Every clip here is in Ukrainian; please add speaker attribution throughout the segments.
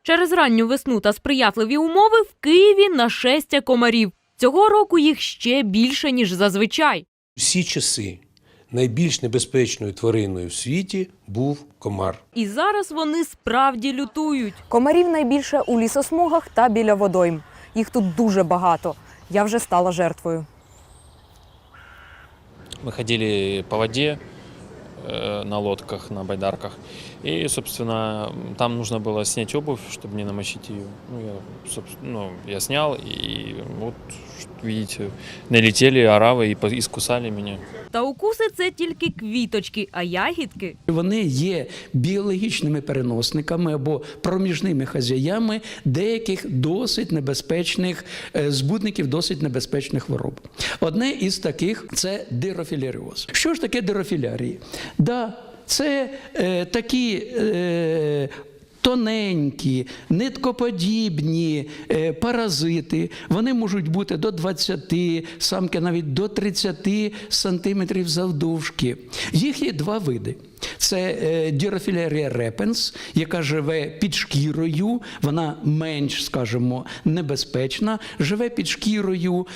Speaker 1: Через ранню весну та сприятливі умови в Києві нашестя комарів. Цього року їх ще більше, ніж зазвичай.
Speaker 2: Всі часи найбільш небезпечною твариною в світі був комар.
Speaker 1: І зараз вони справді лютують.
Speaker 3: Комарів найбільше у лісосмугах та біля водойм. Їх тут дуже багато. Я вже стала жертвою.
Speaker 4: Мы ходили по воде на лодках, на байдарках. И, собственно, там нужно было снять обувь, чтобы не намочить ее. Я снял, и вот, видите, налетели оравы и искусали меня.
Speaker 1: Та укуси – це тільки квіточки, а ягідки?
Speaker 5: Вони є біологічними переносниками або проміжними хазяями деяких досить небезпечних збудників, досить небезпечних хвороб. Одне із таких – це дирофіляріоз. Що ж таке дирофілярії? Це такі тоненькі, ниткоподібні паразити. Вони можуть бути до 20, самки навіть до 30 сантиметрів завдовжки. Їх є два види. Це Дирофілярія репенс, яка живе під шкірою, вона менш, скажімо, небезпечна, живе під шкірою,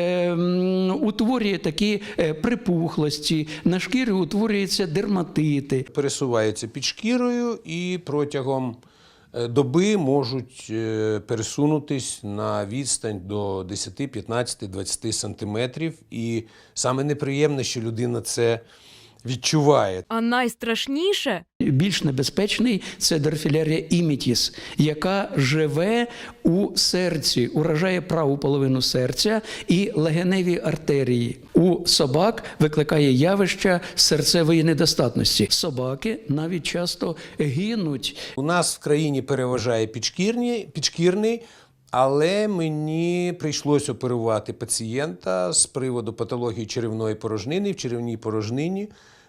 Speaker 5: утворює такі припухлості, на шкірі утворюються дерматити.
Speaker 2: Пересуваються під шкірою і протягом доби можуть пересунутись на відстань до 10, 15, 20 сантиметрів. І саме неприємне, що людина це відчуває.
Speaker 1: А найстрашніше –
Speaker 5: Більш небезпечний – це Дирофілярія імітіс, яка живе у серці, уражає праву половину серця і легеневі артерії. У собак викликає явище серцевої недостатності. Собаки навіть часто гинуть.
Speaker 2: У нас в країні переважає підшкірний, але мені прийшлося оперувати пацієнта з приводу патології черевної порожнини. В черевній порожнині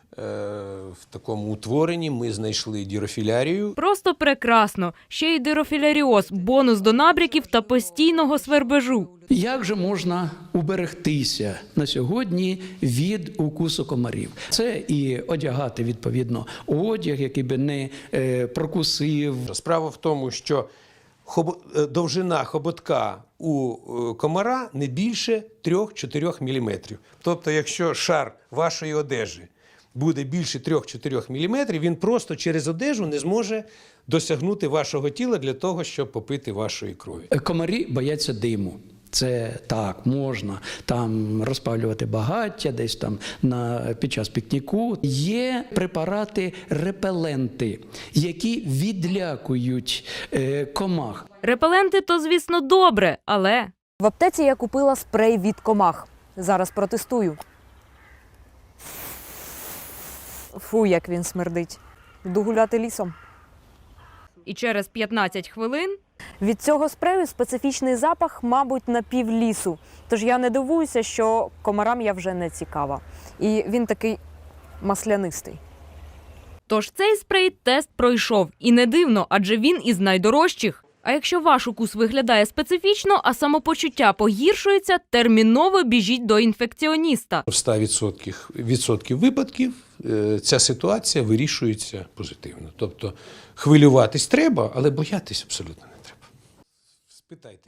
Speaker 2: в такому утворенні ми знайшли дирофілярію.
Speaker 1: просто прекрасно. Ще й дирофіляріоз – бонус до набряків та постійного свербежу.
Speaker 5: Як же можна уберегтися на сьогодні від укусу комарів? Це і одягати, відповідно, одяг, який би не прокусив.
Speaker 2: Справа в тому, що довжина хоботка у комара не більше 3-4 мм. Тобто, якщо шар вашої одежі буде більше 3-4 мм, він просто через одежу не зможе досягнути вашого тіла для того, щоб попити вашої крові.
Speaker 5: Комарі бояться диму. Це так, можна там розпалювати багаття, десь там під час пікніку. Є препарати-репеленти, які відлякують комах.
Speaker 1: Репеленти – то, звісно, добре, але…
Speaker 3: В аптеці я купила спрей від комах. Зараз протестую. Фу, як він смердить. Йду гуляти лісом.
Speaker 1: І через 15 хвилин…
Speaker 3: Від цього спрею специфічний запах, мабуть, на пів лісу. Тож я не дивуюся, що комарам я вже не цікава. І він такий маслянистий.
Speaker 1: Тож цей спрей тест пройшов. І не дивно, адже він із найдорожчих. А якщо ваш укус виглядає специфічно, а самопочуття погіршується, терміново біжіть до інфекціоніста.
Speaker 2: В 100% випадків ця ситуація вирішується позитивно. Тобто хвилюватись треба, але боятись абсолютно не треба. Спитайте.